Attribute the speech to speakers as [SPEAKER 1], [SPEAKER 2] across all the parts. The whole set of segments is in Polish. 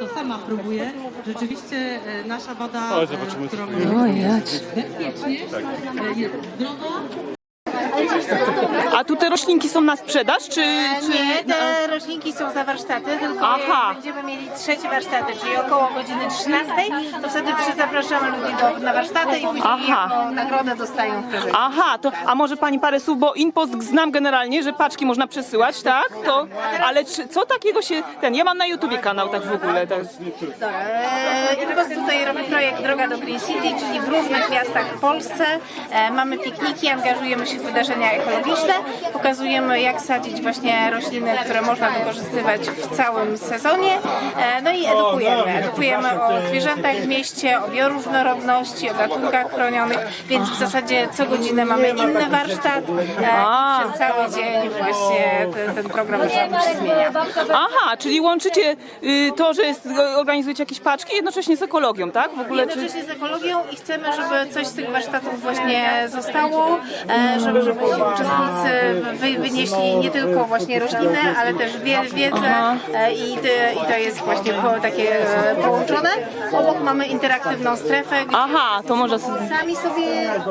[SPEAKER 1] to sama próbuję. Rzeczywiście nasza woda, którą bezpiecznie, jest zdrowa.
[SPEAKER 2] A tu te roślinki są na sprzedaż, czy...
[SPEAKER 3] Nie, te roślinki są za warsztaty, tylko jak będziemy mieli trzecie warsztaty, czyli około godziny 13, to wtedy zapraszamy ludzi na warsztaty i później jako nagrodę dostają w prezencie.
[SPEAKER 2] Aha, to, a może pani parę słów, bo InPost znam generalnie, że paczki można przesyłać, tak? To, ale co takiego się... Ja mam na YouTubie kanał tak w ogóle. Tak.
[SPEAKER 3] InPost tutaj robi projekt Droga do Green City, czyli w różnych miastach w Polsce. Mamy pikniki, angażujemy się w wydarzenia ekologiczne, pokazujemy jak sadzić właśnie rośliny, które można wykorzystywać w całym sezonie. No i edukujemy o zwierzętach w mieście, o bioróżnorodności, o gatunkach chronionych, więc w zasadzie co godzinę mamy inny warsztat. Przez cały dzień właśnie ten program się zmienia.
[SPEAKER 2] Aha, czyli łączycie to, że organizujecie jakieś paczki jednocześnie z ekologią, tak? W ogóle,
[SPEAKER 3] jednocześnie z ekologią i chcemy, żeby coś z tych warsztatów właśnie zostało, żeby uczestnicy wynieśli nie tylko właśnie rośliny, ale też wiedzę i to jest właśnie takie połączone. Obok mamy interaktywną strefę, gdzie
[SPEAKER 2] to może
[SPEAKER 3] sami sobie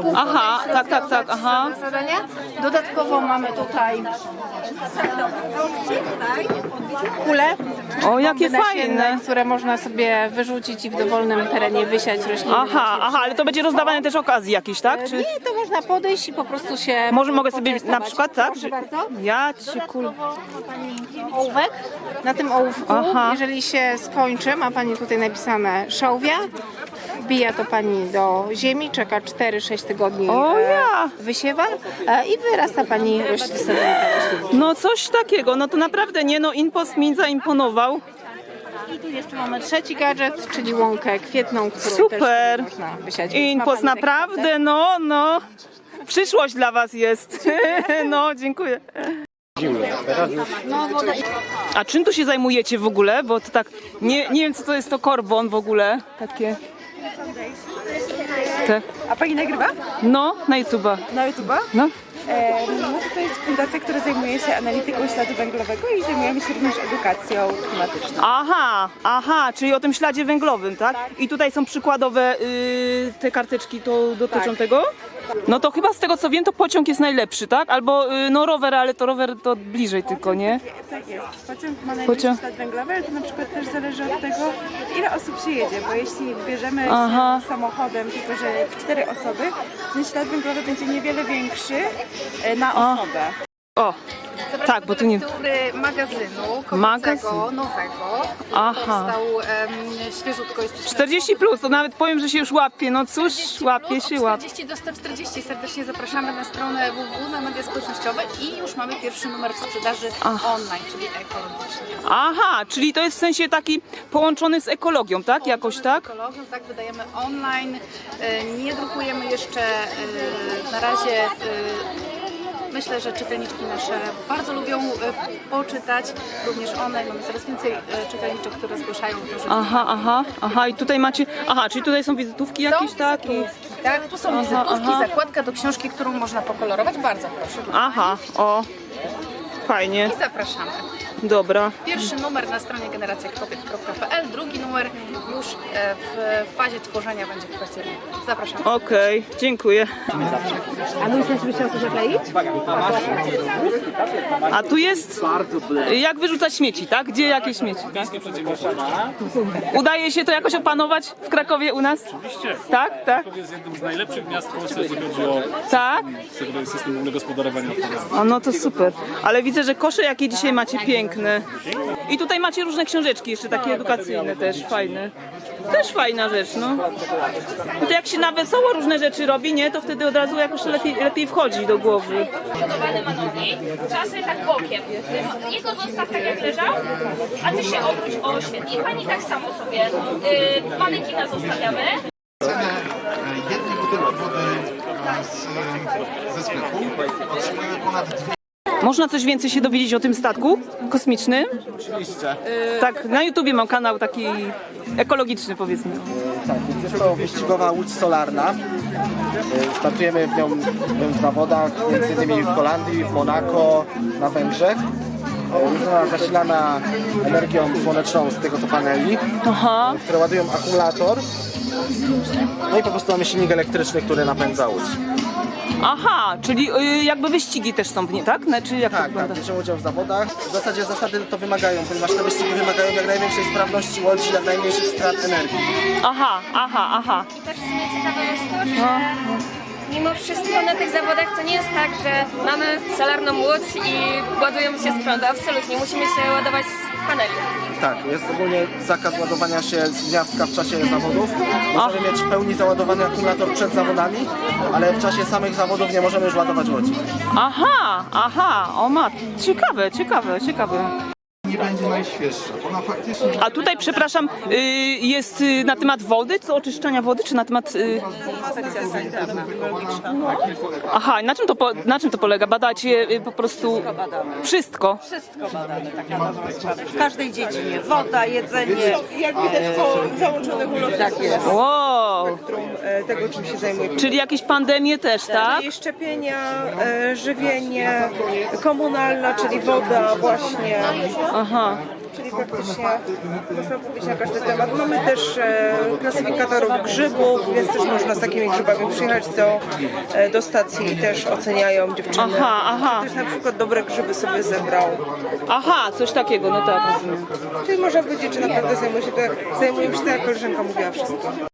[SPEAKER 3] zadania. Dodatkowo mamy tutaj kule.
[SPEAKER 2] O, jakie fajne!
[SPEAKER 3] Które można sobie wyrzucić i w dowolnym terenie wysiać rośliny.
[SPEAKER 2] Ale to będzie rozdawane też okazji jakieś, tak? Czy...
[SPEAKER 3] Nie, to można podejść i po prostu się...
[SPEAKER 2] Mogę sobie na przykład, tak?
[SPEAKER 3] Proszę bardzo.
[SPEAKER 2] Ja cię
[SPEAKER 3] Ołówek. Na tym ołówku, jeżeli się skończy, ma pani tutaj napisane szałwia. Wbija to pani do ziemi, czeka 4-6 tygodni, wysiewa i wyrasta pani roślin.
[SPEAKER 2] No coś takiego, no to naprawdę nie, InPost mi zaimponował.
[SPEAKER 3] I tu jeszcze mamy trzeci gadżet, czyli łąkę kwietną, którą
[SPEAKER 2] super.
[SPEAKER 3] też można wysiać.
[SPEAKER 2] InPost naprawdę, no. Przyszłość dla was jest. No, dziękuję. A czym tu się zajmujecie w ogóle? Bo to tak, nie wiem co to jest to korbon w ogóle, takie...
[SPEAKER 4] A pani nagrywa?
[SPEAKER 2] No, na YouTube'a.
[SPEAKER 4] Na YouTube'a?
[SPEAKER 2] No.
[SPEAKER 4] To jest fundacja, która zajmuje się analityką śladu węglowego i zajmujemy się również edukacją klimatyczną.
[SPEAKER 2] Aha, czyli o tym śladzie węglowym, tak? I tutaj są przykładowe te karteczki, to dotyczą tego? No to chyba z tego co wiem, to pociąg jest najlepszy, tak? Albo rower, ale to rower to bliżej tylko, nie?
[SPEAKER 4] Tak jest. Pociąg ma najwyższy ślad węglowy, ale to na przykład też zależy od tego, ile osób się jedzie, bo jeśli wybierzemy się samochodem, tylko że w 4 osoby, ten ślad węglowy będzie niewiele większy na osobę.
[SPEAKER 2] Tak, bo tu nie...
[SPEAKER 3] magazynu kobiecego, nowego. Powstał świeżutko, jest
[SPEAKER 2] 40 plus, to nawet powiem, że się już łapie, no cóż, łapie się.
[SPEAKER 5] 40 do 140. Serdecznie zapraszamy na stronę www, na media społecznościowe i już mamy pierwszy numer w sprzedaży online, czyli ekologicznie.
[SPEAKER 2] Czyli to jest w sensie taki połączony z ekologią, tak? Jakoś tak?
[SPEAKER 5] Z ekologią, tak, wydajemy online, nie drukujemy jeszcze na razie. Myślę, że czytelniczki nasze bardzo lubią poczytać, również one. Mamy coraz więcej czytelniczek, które zgłaszają to, że...
[SPEAKER 2] I tutaj macie... czyli tutaj są wizytówki jakieś, tak?
[SPEAKER 5] Tak, tu są wizytówki, zakładka do książki, którą można pokolorować. Bardzo proszę. Fajnie. I zapraszamy.
[SPEAKER 2] Dobra.
[SPEAKER 5] Pierwszy numer na stronie generacjakobiet.pl, drugi numer już w fazie tworzenia będzie w październiku. Zapraszamy.
[SPEAKER 2] Okej, dziękuję.
[SPEAKER 4] A mój też by chciał coś zakleić?
[SPEAKER 2] A tu jest jak wyrzucać śmieci, tak? Gdzie jakieś śmieci? Tak? Udaje się to jakoś opanować w Krakowie u nas?
[SPEAKER 6] Oczywiście.
[SPEAKER 2] Tak?
[SPEAKER 6] Kraków jest jednym z najlepszych miast w Polsce, jeżeli chodzi o system ogólnego gospodarowania odpadami.
[SPEAKER 2] No to super. Ale widzę, że kosze jakie dzisiaj macie piękne. I tutaj macie różne książeczki jeszcze takie edukacyjne też, fajne. Też fajna rzecz, no. No to jak się na wesoło różne rzeczy robi, nie? To wtedy od razu jakoś lepiej wchodzi do głowy.
[SPEAKER 7] Trzeba sobie tak bokiem. Jego zostaw tak jak leżał, a ty się obróć o świetnie. I pani tak samo sobie manekina zostawiamy.
[SPEAKER 8] Jednej butelki wody ze sklepu otrzymujemy ponad 2.
[SPEAKER 2] Można coś więcej się dowiedzieć o tym statku kosmicznym?
[SPEAKER 9] Oczywiście.
[SPEAKER 2] Tak, na YouTubie mam kanał taki ekologiczny, powiedzmy.
[SPEAKER 9] Tak, więc jest to wyścigowa łódź solarna. Startujemy w nią w zawodach, między innymi w Holandii, w Monako, na Węgrzech. Jest ona zasilana energią słoneczną z tego to paneli,
[SPEAKER 2] Aha.
[SPEAKER 9] które ładują akumulator. No i po prostu mamy silnik elektryczny, który napędza łódź.
[SPEAKER 2] Aha, czyli jakby wyścigi też są w niej, tak? Znaczy jak to
[SPEAKER 9] Tak,
[SPEAKER 2] wygląda?
[SPEAKER 9] bierzemy udział w zawodach. W zasadzie zasady to wymagają, ponieważ te wyścigi wymagają jak największej sprawności łodzi, jak najmniejszych strat energii.
[SPEAKER 2] Aha.
[SPEAKER 10] I też w sumie ciekawe jest to, że mimo wszystko na tych zawodach to nie jest tak, że mamy solarną łódź i ładujemy się z prądu. Absolutnie, musimy się ładować z paneli.
[SPEAKER 9] Tak, jest ogólnie zakaz ładowania się z gniazdka w czasie zawodów. Możemy mieć w pełni załadowany akumulator przed zawodami, ale w czasie samych zawodów nie możemy już ładować łodzi.
[SPEAKER 2] Aha, o mat, ciekawe.
[SPEAKER 8] Nie będzie najświeższa. Ona faktycznie...
[SPEAKER 2] A tutaj, przepraszam, jest na temat wody, co oczyszczania wody, czy na temat... Aha, na czym to polega? Badacie po prostu wszystko?
[SPEAKER 11] Wszystko badane, tak na dobrą sprawę. W każdej dziedzinie. Woda, jedzenie.
[SPEAKER 4] Jak widać po załączonych ulotach
[SPEAKER 11] Tak jest.
[SPEAKER 2] Wow,
[SPEAKER 4] tego, czym się zajmujemy.
[SPEAKER 2] czyli jakieś pandemie też, tak?
[SPEAKER 4] Czyli szczepienia, żywienie, komunalna, czyli woda właśnie.
[SPEAKER 2] Aha.
[SPEAKER 4] Czyli praktycznie można powiedzieć na każdy temat. Mamy też klasyfikatorów grzybów, więc też można z takimi grzybami przyjechać do stacji i też oceniają dziewczyny.
[SPEAKER 2] Aha.
[SPEAKER 4] Ktoś na przykład dobre grzyby sobie zebrał.
[SPEAKER 2] Aha, coś takiego, no tak, rozumiem.
[SPEAKER 4] Czyli można powiedzieć, że naprawdę zajmujemy się tak, jak koleżanka mówiła, wszystko.